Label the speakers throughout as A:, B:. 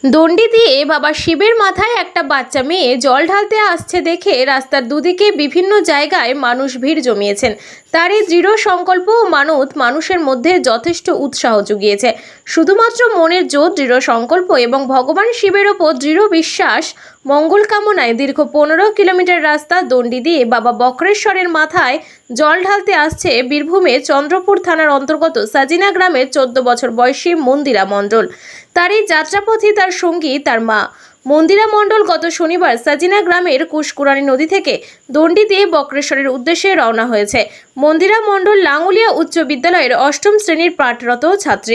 A: দণ্ডি দিয়ে বাবা শিবের মাথায় একটা বাচ্চা মেয়ে জল ঢালতে আসছে দেখে রাস্তার দুদিকে বিভিন্ন জায়গায় মানুষ ভিড় জমিয়েছেন। তারই দৃঢ় সংকল্প ও মানত মানুষের মধ্যে যথেষ্ট উৎসাহ জুগিয়েছে। শুধুমাত্র মনের জোর, দৃঢ় সংকল্প এবং ভগবান শিবের ওপর দৃঢ় বিশ্বাস, মঙ্গল কামনায় দীর্ঘ 15 কিলোমিটার রাস্তা দণ্ডি দিয়ে বাবা বক্রেশ্বরের মাথায় জল ঢালতে আসছে বীরভূমের চন্দ্রপুর থানার অন্তর্গত সাজিনা গ্রামের 14 বছর বয়সী মন্দিরা মণ্ডল। তার এই যাত্রাপথে তার সঙ্গী তার মা। মন্দিরা মণ্ডল গত শনিবার সাজিনা গ্রামের কুশকুরানি নদী থেকে দণ্ডি দিয়ে বক্রেশ্বরের উদ্দেশ্যে রওনা হয়েছে। মন্দিরা মণ্ডল লাঙ্গুলিয়া উচ্চ বিদ্যালয়ের 8ম শ্রেণীর পাঠরত ছাত্রী।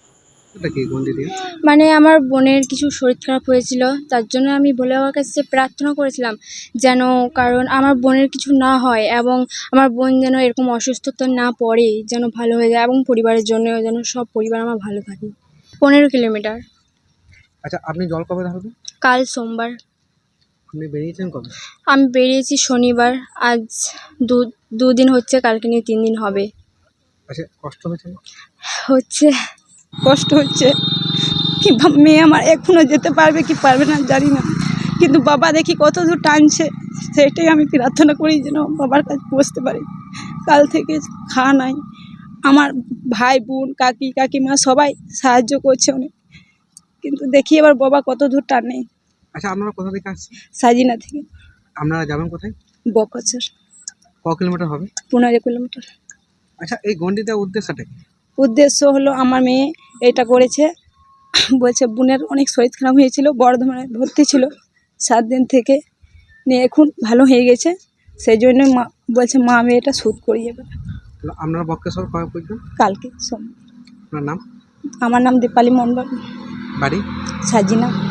B: মানে আমার বোনের কিছু শরীর খারাপ হয়েছিল, তার জন্য আমি ভোলে বাবার কাছে প্রার্থনা করেছিলাম যেন, কারণ আমার বোনের কিছু না হয় এবং আমার বোন যেন এরকম অসুস্থতা না পড়ে, যেন ভালো হয়ে যায় এবং পরিবারের জন্য যেন সব পরিবার আমার ভালো থাকে। 15 কিলোমিটার।
C: আচ্ছা, আপনি জল কবে ঢালবেন?
B: কাল সোমবার।
C: আপনি বেরিয়েছেন কবে?
B: আমি বেরিয়েছি শনিবার, আজ দুদিন হচ্ছে, কালকে নিয়ে 3 দিন হবে।
C: আচ্ছা, কষ্ট হয়েছে না?
B: হচ্ছে, কষ্ট হচ্ছে। কি মেয়ে আমার এখনো যেতে পারবে কি পারবে না জানি না, কিন্তু বাবা দেখি কত দূর টানছে, সেটাই আমি প্রার্থনা করি যেন বাবার কাছে পৌঁছতে পারি। কাল থেকে খাওয়া নাই, আমার ভাই বোন কাকি কাকিমা সবাই সাহায্য করছে অনেক, কিন্তু দেখি এবার বাবা কত দূর টানে।
C: আচ্ছা, আপনারা কোথা থেকে আসছেন?
B: সাজিনা থেকে।
C: আপনারা যাবেন কোথায়?
B: বকচর।
C: ক কিলোমিটার হবে?
B: 15 কিলোমিটার।
C: আচ্ছা, এই গন্ডি দেওয়ার উদ্দেশ্যটা কি?
B: উদ্দেশ্য হলো আমার মেয়ে এটা করেছে, বলছে বোনের অনেক শরীর খারাপ হয়েছিল, বর্ধমানে ভর্তি ছিল 7 দিন থেকে, নিয়ে এখন ভালো হয়ে গেছে, সেই জন্য মা বলছে মা আমি এটা শুট করি এবার।
C: আপনারা বক্রেশ্বর কবে পৌঁছবেন?
B: কালকে সোমবার।
C: আপনার নাম?
B: আমার নাম দীপালি মণ্ডল,
C: বাড়ি?
B: সাজিনা।